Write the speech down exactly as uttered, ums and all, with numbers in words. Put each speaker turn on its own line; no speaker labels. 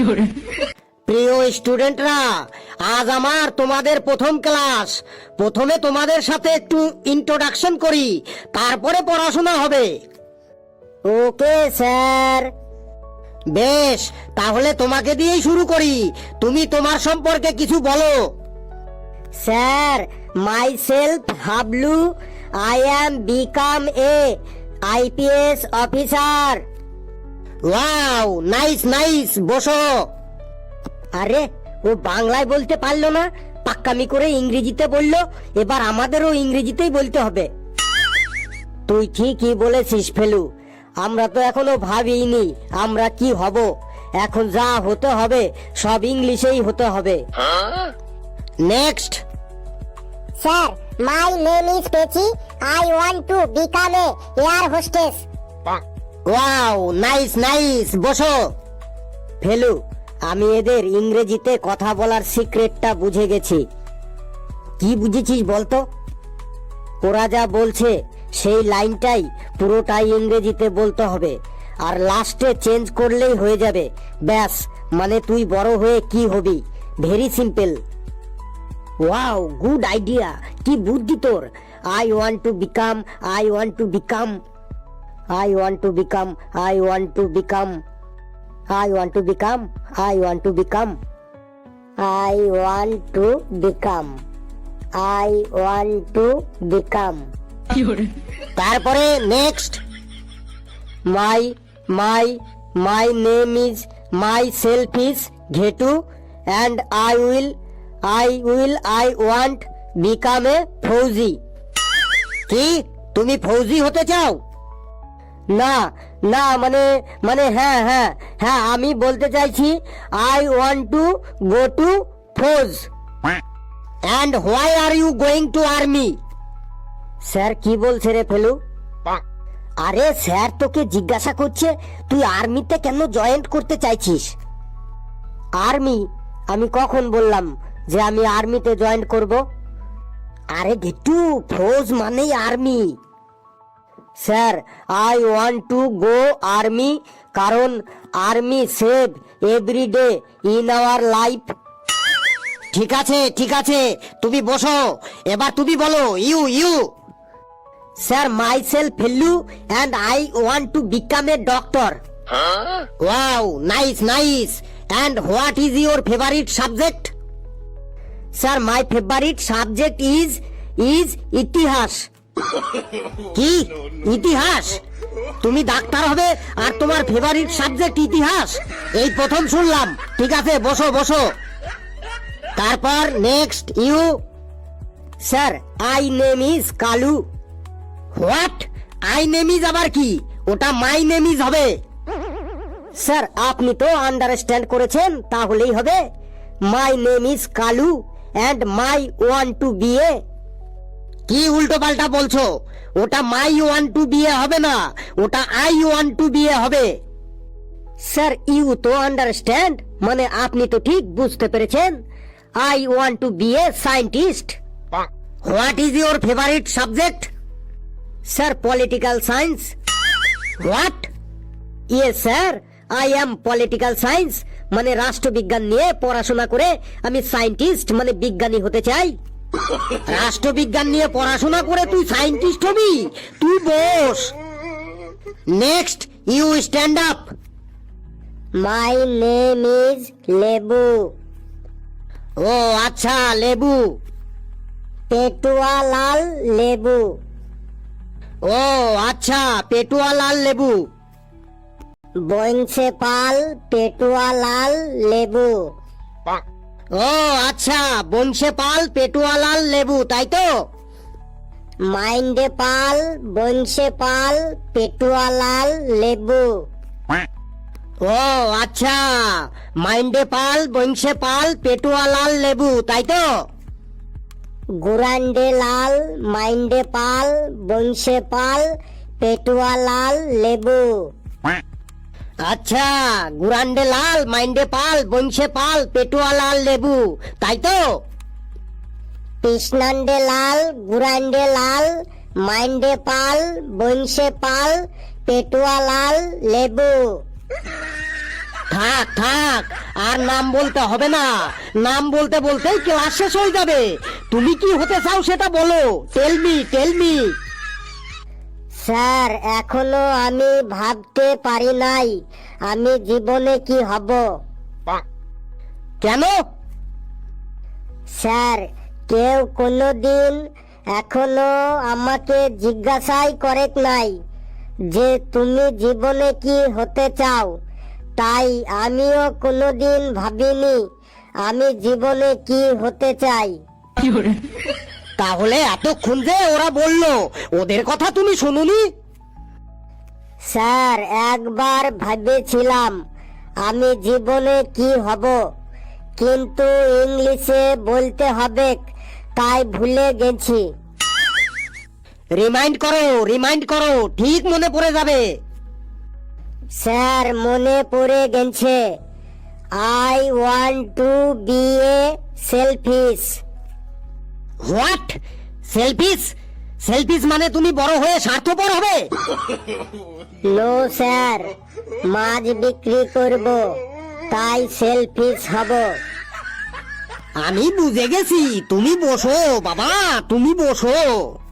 প্রিয় স্টুডেন্টরা, আজ আমার তোমাদের প্রথম ক্লাস। প্রথমে তোমাদের সাথে একটু ইন্ট্রোডাকশন করি, তারপরে পড়াশোনা হবে। Okay sir. বেশ, তাহলে তোমাকে দিয়েই শুরু করি। তুমি তোমার সম্পর্কে কিছু বলো। Sir, myself Hablu, I am become a IPS officer. Wow, nice nice, বসো। আরে, ও বাংলায় বলতে পারলো না, পাক্কামি করে ইংরেজিতে বললো। এবার আমাদেরও ইংরেজিতেই বলতে হবে। তুই ঠিকই বলেছিস ফেলু, আমরা তো এখনো ভাবিনি আমরা কি হব। এখন যা হতে হবে সব ইংলিশেই হতে হবে। Next.
Sir, my name is Pechi, I want to become a air hostess.
Wow, nice nice, বসো। ফেলু, আমি এদের ইংরেজিতে কথা বলার সিক্রেটটা বুঝে গেছি। কি বুঝেছিস বলতো? ওরা যা বলছে সেই লাইনটাই পুরোটাই ইংরেজিতে বলতে হবে, আর লাস্টে চেঞ্জ করলেই হয়ে যাবে। ব্যাস, মানে তুই বড় হয়ে কি হবি। Very simple. Wow, good idea, কি বুদ্ধি তোর। I want to become, I want to become, I want to become, I want to become, I want to become, I want to become, I want to become, I want to become. তারপরে next. My my my name is myself is Ghetu and I will I will I want become a fauji. কি, তুমি ফৌজি হতে চাও? না না, মানে মানে হ্যাঁ হ্যাঁ হ্যাঁ আমি বলতে চাইছি I want to go to fauj. And why are you going to army? Sir কি বলছে রে ফেলু? আরে স্যার তোকে জিজ্ঞাসা করছে তুই আর্মিতে কেন জয়েন করতে চাইছিস। আর্মি? আমি কখন বললাম যে আমি আর্মিতে জয়েন করব? আরে ঘেটু, ফৌজ মানেই army. Sir, I want to go army কারণ army save every day in our life. ঠিক আছে ঠিক আছে, তুমি বসো। এবার তুমি বলো you you. Sir, myself Felu and I want to become a doctor. Wow, nice nice. And what is your favourite subject? Sir, my favourite subject is is itihas. কি, ইতিহাস? তুমি ডাক্তার হবে আর তোমার ফেভারিট সাবজেক্ট ইতিহাস? এই প্রথম শুনলাম। ঠিক আছে, বসো বসো। তারপর next you. Sir, I name is Kalu. What? I name is আবার কি? ওটা মাই নেম ইজ হবে। স্যার, আপনি তো আন্ডারস্ট্যান্ড করেছেন, তাহলেই হবে। My name is Kalu and my want to be a. কি উল্টো পাল্টা বলছো? ওটা মাই ওয়ান্ট টু বিয়ে হবে না, ওটা আই ওয়ান্ট টু বিয়ে হবে। স্যার, ইউ তো আন্ডারস্ট্যান্ড, মানে আপনি তো ঠিক বুঝতে পেরেছেন। I want to be a scientist. What is your favourite subject? Sir, political science. What? Yes sir, I am political science, মানে রাষ্ট্রবিজ্ঞান নিয়ে পড়াশোনা করে আমি সায়েন্টিস্ট মানে বিজ্ঞানী হতে চাই। রাষ্ট্রবিজ্ঞান নিয়ে পড়াশোনা করে তুই সায়েন্টিস্ট হবি? তুই বস। Next you stand up.
My name is Lebu.
ও আচ্ছা, লেবু।
পেটুয়া লাল লেবু।
ও আচ্ছা, পেটুয়া লাল লেবু।
বংশে পাল পেটুয়া লাল লেবু।
ও আচ্ছা, বংশে পাল পেটুয়া লাল লেবু, তাই তো?
মাইন্ডে পাল বংশে পাল পেটুয়া লাল লেবু।
ও আচ্ছা, মাইন্ডে পাল বংশে পাল পেটুয়া লাল লেবু, তাই তো?
গুরান্ডে লাল মাইন্ডে পাল বংশে পাল পেটুয়া লাল লেবু।
আচ্ছা, গুরান্ডে লাল মাইন্ডে পাল বংশে পাল পেটুয়া লাল লেবু, তাই তো?
কৃষ্ণান্ডে লাল গুরান্ডে লাল মাইন্ডে পাল বংশে পাল পেটুয়া লাল লেবু।
থাক থাক, আর নাম বলতে হবে না। নাম বলতে বলতেই ক্লাস শেষ হয়ে যাবে। তুমি কি হতে চাও সেটা বলো, tell me tell me.
Sir এখনো আমি ভাবতে পারি নাই আমি জীবনে কি হব।
কেন?
স্যার কেউ কোনোদিন এখনো আমাকে জিজ্ঞাসাই করে নাই যে তুমি জীবনে কি হতে চাও, তাই আমিও কোনোদিন ভাবিনি আমি জীবনে কি হতে চাই।
তাহলে এতক্ষণ যে ওরা বললো, ওদের কথা তুমি শুনুনি?
স্যার একবার ভেবেছিলাম আমি জীবনে কি হব, কিন্তু ইংলিশে বলতে হবে তাই ভুলে গেছি।
রিমাইন্ড করো রিমাইন্ড করো, ঠিক মনে পড়ে যাবে।
স্যার মনে পড়ে গেছে, I want to be a selfish.
What? Selfish? Selfish মানে তুমি বড় হয়ে স্বার্থপর হবে?
নো স্যার, মাছ বিক্রি করব তাই সেলফিশ হব।
আমি বুঝে গেছি, তুমি বসো বাবা, তুমি বসো।